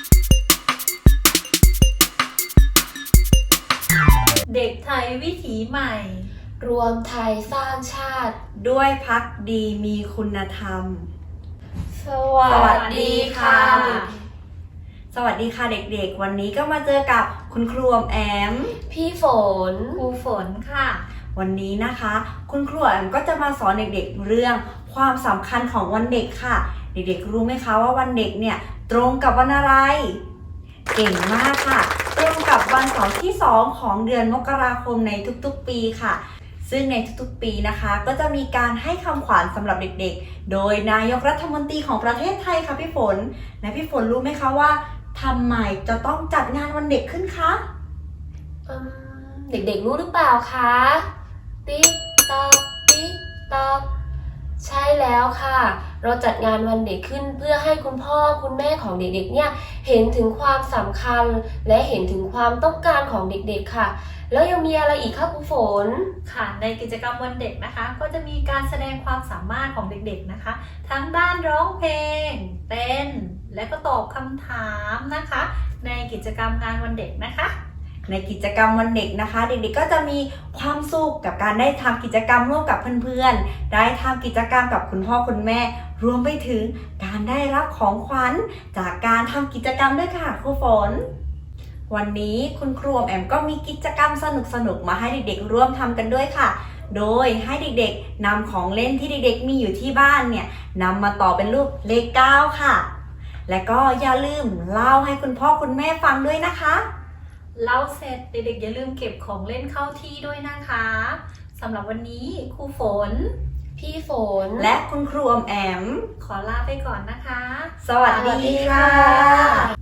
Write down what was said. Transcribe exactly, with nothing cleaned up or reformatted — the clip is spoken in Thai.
เด็กไทยวิถีใหม่รวมไทยสร้างชาติด้วยภักดีมีคุณธรรมสวัสดีค่ะสวัสดีค่ะเด็กๆวันนี้ก็มาเจอกับคุณครูอมแอมพี่ฝนครูฝนค่ะวันนี้นะคะคุณครูแอมก็จะมาสอนเด็กๆเรื่องความสำคัญของวันเด็กค่ะเด็กๆรู้ไหมคะว่าวันเด็กเนี่ยตรงกับวันอะไรเก่งมากค่ะตรงกับวันเสาร์ที่สองของเดือนมกราคมในทุกๆปีค่ะซึ่งในทุกๆปีนะคะก็จะมีการให้คำขวัญสำหรับเด็กๆโดยนายกรัฐมนตรีของประเทศไทยค่ะพี่ฝนและพี่ฝนรู้ไหมคะว่าทำไมจะต้องจัดงานวันเด็กขึ้นคะเด็กๆรู้หรือเปล่าคะติ๊กตอกติ๊กตอกใช่แล้วค่ะเราจัดงานวันเด็กขึ้นเพื่อให้คุณพ่อคุณแม่ของเด็กๆเนี่ยเห็นถึงความสำคัญและเห็นถึงความต้องการของเด็กๆค่ะแล้วยังมีอะไรอีกคะครูฝนค่ะในกิจกรรมวันเด็กนะคะก็จะมีการแสดงความสามารถของเด็กๆนะคะทั้งด้านร้องเพลงเต้นและก็ตอบคำถามนะคะในกิจกรรมงานวันเด็กนะคะในกิจกรรมวันเด็กนะคะเด็กๆก็จะมีความสุขกับการได้ทำกิจกรรมร่วมกับเพื่อนๆได้ทำกิจกรรมกับคุณพ่อคุณแม่รวมไปถึงการได้รับของขวัญจากการทำกิจกรรมด้วยค่ะครูฝนวันนี้คุณครูแอมก็มีกิจกรรมสนุกๆมาให้เด็กๆร่วมทำกันด้วยค่ะโดยให้เด็กๆนำของเล่นที่เด็กๆมีอยู่ที่บ้านเนี่ยนำมาต่อเป็นรูปเลขเก้าค่ะและก็อย่าลืมเล่าให้คุณพ่อคุณแม่ฟังด้วยนะคะเล่าเสร็จเด็กๆอย่าลืมเก็บของเล่นเข้าที่ด้วยนะคะสำหรับวันนี้ครูฝนพี่ฝนและคุณครูอมแอมขอลาไปก่อนนะคะสวัสดีค่ะ